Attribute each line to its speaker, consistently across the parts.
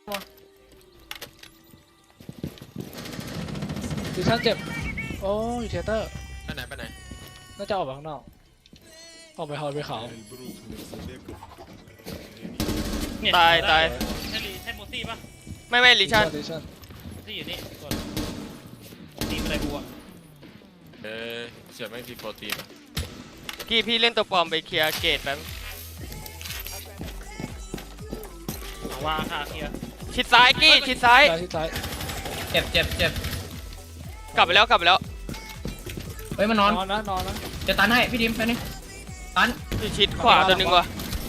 Speaker 1: ดิชั่นเจ็บโอ้ยเทเตอร์
Speaker 2: ไปไหน
Speaker 1: น่าจะออกไปข้างนอกออกไปฮอลไปเขา
Speaker 3: ตาย
Speaker 4: ใช่โมซี่ปะ
Speaker 3: ไม่ลิชัน
Speaker 4: ที่อยู่นี่กดตีอะไรบัว
Speaker 2: เสียไม่มีโปรตีน
Speaker 3: กี้พี่เล่นตัวปลอมไปเคลียร์เกตแป๊บ
Speaker 4: วางค่ะเคลียร์
Speaker 3: ชิดซ้ายกี้ชิดซ้าย
Speaker 1: ที่ซ้าย
Speaker 5: เจ็บ
Speaker 3: กลับไปแล้ว
Speaker 5: เฮ้ยมันนอน
Speaker 1: นอนนะ
Speaker 5: จะตันให้พี่ดิมไปนี่ตัน
Speaker 3: อยู่ชิดขวาตัวหนึ่งว่ะ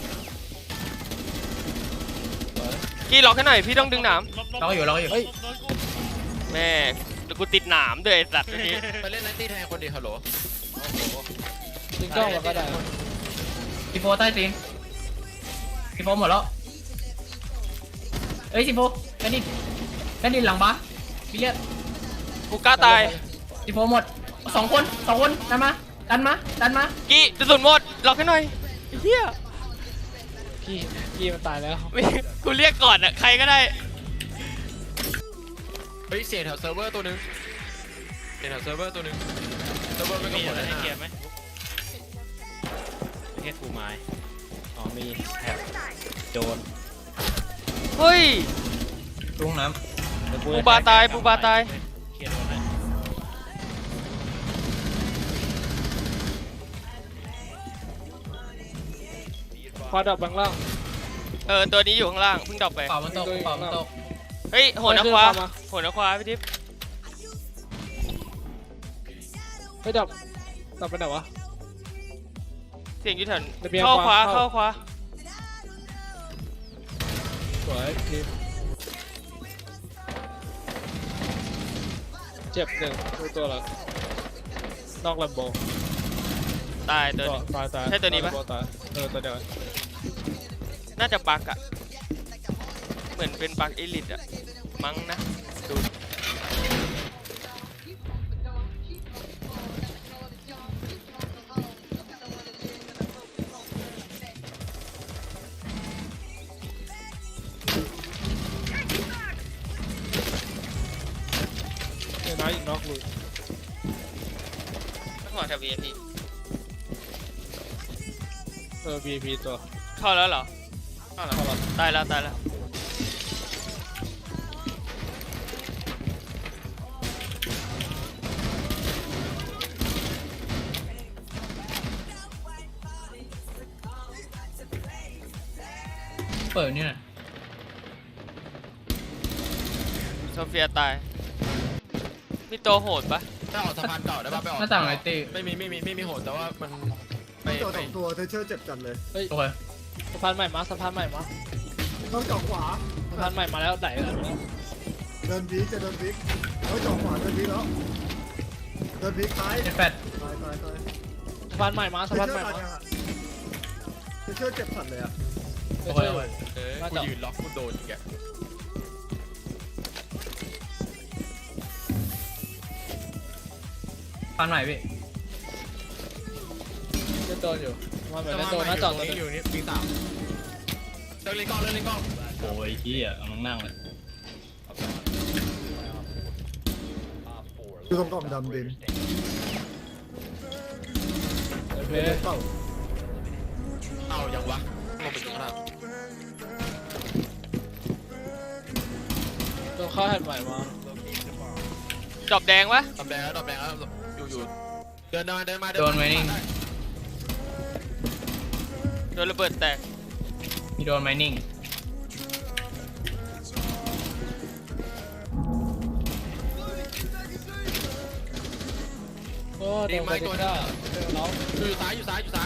Speaker 3: กี้ล็อกให้หน่อยพี่ต้องดึงหนาม
Speaker 5: เราอยู่
Speaker 1: เฮ้ย
Speaker 3: แม่เดี๋ยวกูติดหนามด้วยไอ้สัตว์ตัวนี้
Speaker 2: ไปเล่นไนตี้แทนคนดีฮัลโหล
Speaker 1: ยิงกล้องมาก็ได้
Speaker 5: ซีโฟใต้ตีนซีโฟหมดแล้วเอ้ยซีโฟแค่นี้หลังบ้าพี่เลียด
Speaker 3: กูกล้าตาย
Speaker 5: ซีโฟหมดสองคนดันมา
Speaker 3: กี้กระสุนหมดล็อกให้หน่อยไอ้เฮีย
Speaker 1: กี้มันตายแล้ว
Speaker 3: ไม่กูเรียกก่อนอะใครก็ได้
Speaker 2: เฮ้ยเสียแถวเซิร์ฟเวอร์ตัวนึงเสียแถวเซิร์ฟเวอร์ตัวนึงเซิร์ฟเวอร์ไม่ก็
Speaker 4: มี
Speaker 2: หม
Speaker 4: อะ
Speaker 2: ด
Speaker 4: ไร
Speaker 2: เลย
Speaker 4: ให้
Speaker 2: นะ
Speaker 4: เคลียร์ไหมแค่กูไม้อ๋อมีแถบโจร
Speaker 3: เฮ้ย
Speaker 5: ลุงน้
Speaker 3: ปูบาตาย
Speaker 4: เคลียร์โดนเลย
Speaker 1: ควาดับบางล่าง
Speaker 3: ตัวนี้อยู่ข้างล่างเพิ่งดรอปไป
Speaker 5: ำเป่ามันตก
Speaker 3: เฮ้ยโหนนะควาพี่ทิพย์
Speaker 1: เฮ้ยดับไปไหนวะ
Speaker 3: เสียงอยู่แถว
Speaker 1: ระเบียง
Speaker 3: เข้าขวา
Speaker 1: เข้า
Speaker 3: เข้าขวา
Speaker 1: สวยทีมเจ็บหนึ่งตัวละนอกลำโบ
Speaker 3: ตายตัวนี้
Speaker 1: ตาย
Speaker 3: ใช่ตัวนี้ปะ
Speaker 1: ตายตัวเดียว
Speaker 3: น่าจะบักอะเหมือนเป็นบักเอลิทอะมั้งนะดู
Speaker 1: เนี่ยน้อยอีกนอกลุย
Speaker 3: หัวแถว VIP
Speaker 1: VIP ตัว
Speaker 3: เข้าแล้วเหรอ
Speaker 1: เข้าแล้ว
Speaker 3: ตายแล้ว
Speaker 5: เปิดนี่น่ะ
Speaker 3: โซเฟียตายมีตัวโหดปะ
Speaker 2: ถ้าออกสะพานเก่าได้ป่ะไปออก
Speaker 5: หน้าต่างไอตี
Speaker 2: ไม่มีโหดแต่ว่ามันไป
Speaker 6: ตัวสองตัวเทเชอร์เจ็บจัดเลย
Speaker 1: เฮ้ย
Speaker 5: โอเค
Speaker 1: สะพานใหม่มา
Speaker 6: ต้องเจาะขวา
Speaker 1: สะพานใหม่มาแล้วไหนแล้ว
Speaker 6: เดินพีจะเดินพีเฮ้ยเจาะขวาเดินพีแล้วเดินพีตาย
Speaker 5: เจ็ดแปด
Speaker 6: ตาย
Speaker 1: สะพานใหม่มา
Speaker 6: เทเชอร์ตายยังอ่ะเทเชอร์เจ็บสัดเลยอ่ะ
Speaker 5: โอเค
Speaker 2: กูยืนล็อกกูโดนอีกแก
Speaker 5: ฟันใหม่พี่
Speaker 1: เล่นโดนอยู่มาเหมือนเล่นโดนหน้าจอตัวนึง
Speaker 2: อยู่นี่ปีสามเล่นกล้อง
Speaker 5: โอ้ยพี่อ่ะกำลังนั่งเลย
Speaker 6: อยู่ตรงกล่องดำดิน
Speaker 1: เพล
Speaker 6: เป้า
Speaker 2: เอายังวะลงไปถึงข้างล่าง
Speaker 1: ตัวเข้าแฮนด์ใหม่มา
Speaker 3: ดรอปแดงวะ
Speaker 2: ดอกแดงแล้วอยู่เดินมา
Speaker 5: โดนไมนิ่ง
Speaker 3: โดนระเบิดแตก
Speaker 5: มีโดนไมนิ่ง
Speaker 1: โอ้โดนไปดิก้าน้อง
Speaker 2: อยู่ซ้าย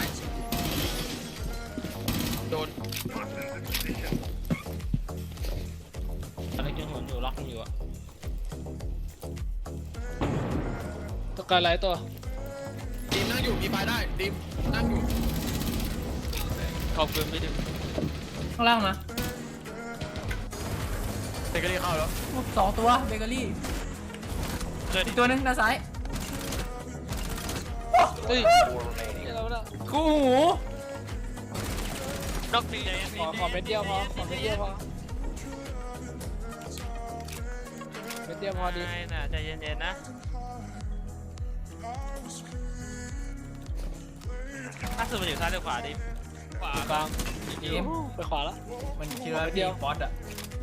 Speaker 2: โดน
Speaker 4: อะไรยังหมุนอยู่ล็อกอยู่อะ
Speaker 1: ตัวการไลท์ตัว
Speaker 2: ดีมนั่งอยู่มีไฟได้ดีมนั่งอยู่
Speaker 3: ขอบคุณพี่ดิม
Speaker 5: ข้างล่างนะ
Speaker 2: เตะกระดิ่งเข้าแล้ว
Speaker 5: สองตัวเบเกอรี่
Speaker 4: เกิด
Speaker 5: อีกตัวนึงด้านซ้าย
Speaker 1: เฮ้ย
Speaker 5: คู่หู
Speaker 3: นอกตี
Speaker 1: ขอเม็ดเดียวพอม็ดเดียวพอดี
Speaker 3: ไม่น่ะใจเย็นๆนะถ้าสุดมันอยู่ซ้ายหรือขวาดิขวาก
Speaker 1: ลาง
Speaker 5: ทีม
Speaker 1: ไปขวาแล้ว
Speaker 5: มันเชื่อ
Speaker 1: เดี
Speaker 5: พี่
Speaker 1: ยว
Speaker 5: บอสอะ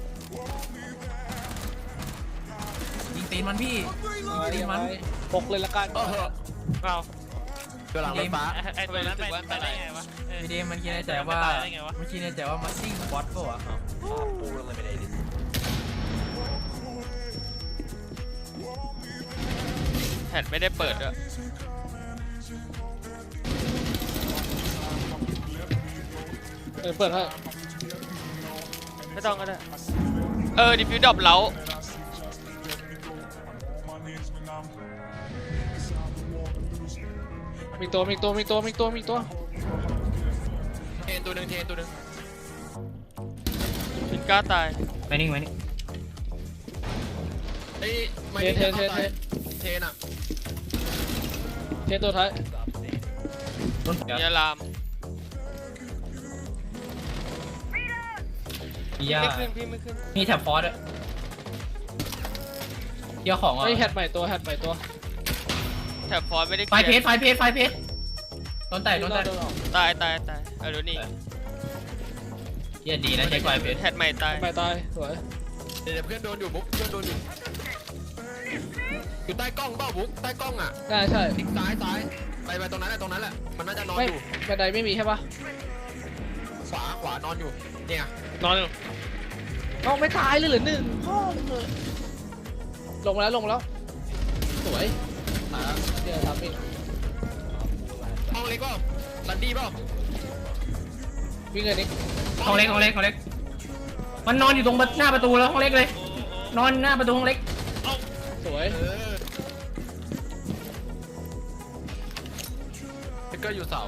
Speaker 5: ยิงตีนมันพี่ตีนมัน
Speaker 1: ปกเลยละกัน
Speaker 3: เรา
Speaker 2: ตัวหลังรถฟ้า
Speaker 3: ไอ้ตัวนั้นไปได้ไงวะ
Speaker 5: พี่เดมมันคิดในใจว่ามันคิดในใจว่ามาซิ่งบอสป่ะวะ
Speaker 3: แผ่นไม่ได้เปิดด้วย
Speaker 1: เปิดให้
Speaker 3: ไม่ต้องก็ได้ดิฟิวดรอปเล้า
Speaker 1: มีตัว
Speaker 2: เทนตัวหนึ่ง
Speaker 3: ฟินก้าตาย
Speaker 5: ไปนิ่งไว้นี่
Speaker 2: เอ้ยไม่
Speaker 1: เท
Speaker 2: ได้
Speaker 1: น
Speaker 2: เทนอ่ะ
Speaker 1: ตัวท้าย
Speaker 5: ต้น
Speaker 3: ยาลาม
Speaker 5: พี่ย่า
Speaker 3: ไม่ขึ้นพี่ไม่ขึ้น
Speaker 5: มีแท็บฟอสด้วยเกี่ยวของอ่ะ
Speaker 1: เฮ้ยแฮตใหม่ตัว
Speaker 3: แถบฟอนไม่ได้
Speaker 5: ไฟเพจต้นแตก
Speaker 1: โดนออก
Speaker 3: ตายดูนี่
Speaker 5: เหี้ยดีนะใช้ไฟเพจ
Speaker 3: แฮตใหม่ตาย
Speaker 1: ไปตายสวย
Speaker 2: เดี๋ยวเพื่อนโดนอยู่บุ๊กเพื่อนโดนอยู่ใต้กล้องเปล่าบุ๊กใต้กล้องอ่ะ
Speaker 1: ได้ใช่
Speaker 2: ทิศซ้ายไปตรงนั้นแหละมันน่าจะนอน
Speaker 1: ไม่
Speaker 2: อยู่
Speaker 1: บันไดไม่มีใช่ปะ
Speaker 2: ขวานอนอยู่เนี่ย
Speaker 4: นอนอยู่
Speaker 1: น้องไม่ตายเลยเหรือหนึ่งพ่อมึงเลยลงมาแล้วสวยเนี่ยทำอีก
Speaker 2: ห้องเล็กเปล่าลันดี้เปล่า
Speaker 1: วิ่งเลยนี่
Speaker 5: ห้องเล็กมันนอนอยู่ตรงหน้าประตูแล้วห้องเล็กเลย นอนหน้าประตูห้องเล็ก
Speaker 1: สวย
Speaker 2: ทิกเกอร์อยู่เสา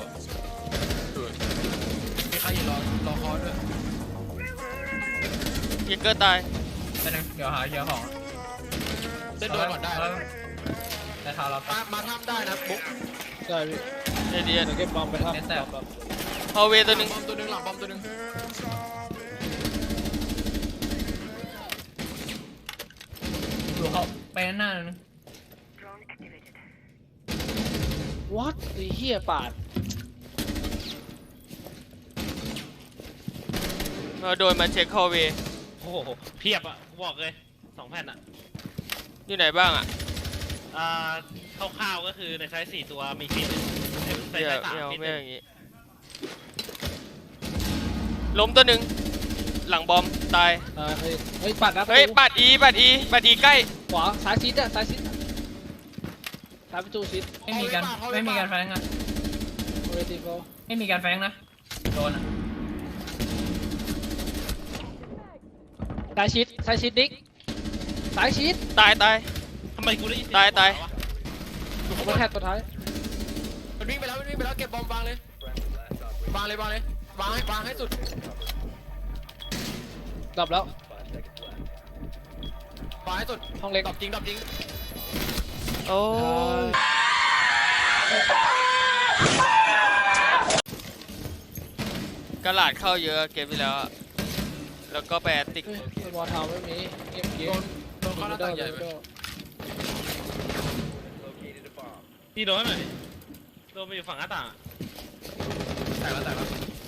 Speaker 2: มีใครอยู่รอคอด้วย
Speaker 3: ยิงเกอร์ตาย
Speaker 5: เดี๋ยวหาเกี่ยวของ
Speaker 2: เล่นโดนก่อนได้
Speaker 5: แต่ทาเรา
Speaker 2: มาทำได้นะบุ๊ก
Speaker 1: ได้พี่
Speaker 3: เดีย
Speaker 1: เดี๋ยวเก็บบอมไปทำ
Speaker 3: ฮอลเวย์ตัวหนึ่ง
Speaker 2: บอมตัวหนึ่งหลังบอมตัวหนึ่ง
Speaker 5: ดูเขาไปหน้านึง
Speaker 1: วัดไอ้เหี้ยปาด
Speaker 3: เราโดนมาเช็คฮอลเวย์
Speaker 4: โอ้โหเพียบอ่ะบอกเลย2 แผ่นอ่ะ
Speaker 3: อยู่ไหนบ้างอ่ะ
Speaker 4: คร่าวๆก็คือในไซส์4 ตัวมีฟินใน
Speaker 3: ไม่
Speaker 4: ไซ
Speaker 3: เอา
Speaker 4: ส์3
Speaker 3: ไม่เอา
Speaker 4: ฟิน
Speaker 3: ไม่เอาอย่างงี้ล้มตัวหนึ่งหลังบอมตาย
Speaker 1: เฮ้ยปัดนะ
Speaker 3: เฮ้ยปัดอีใกล้
Speaker 1: ขวาซ้ายชิดซ้ายประตูชิด
Speaker 5: ไม่มีการแฟงนะ
Speaker 1: เวทีโก
Speaker 5: ไม่มีการแฟงนะโดนอ่ะ
Speaker 1: ซ้ายชิดนิกซ้ายชิด
Speaker 3: ตาย
Speaker 4: ทำไมกูได้ยิน
Speaker 3: ตาย
Speaker 1: บนแฮตตัวท้าย
Speaker 2: มันวิ่งไปแล้วเก็บบอมวางเลยวางให้สุด
Speaker 1: ดับแล้ว
Speaker 2: วางให้สุด
Speaker 1: ห้องเล็ก
Speaker 2: ดับจริง
Speaker 3: โอ้ยกระหลาดเข้าเยอะเกมที่แล้วอะแล้วก็ไปแอตติก
Speaker 1: สมอลทาวไม่มีเกม
Speaker 2: โดนเข้าหน้าต่างใหญ่ไป
Speaker 4: พี่โดนหน่อยดิโดนไปอยู่ฝั่งหน้าต่างอะ
Speaker 2: แตกแล้ว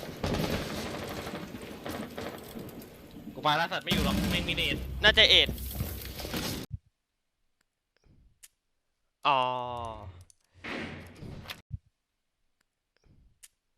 Speaker 4: กูไปแล้วสัตว์ไม่อยู่หรอกไม่มีเนต
Speaker 3: น่าจะเอ็ดอ๋อ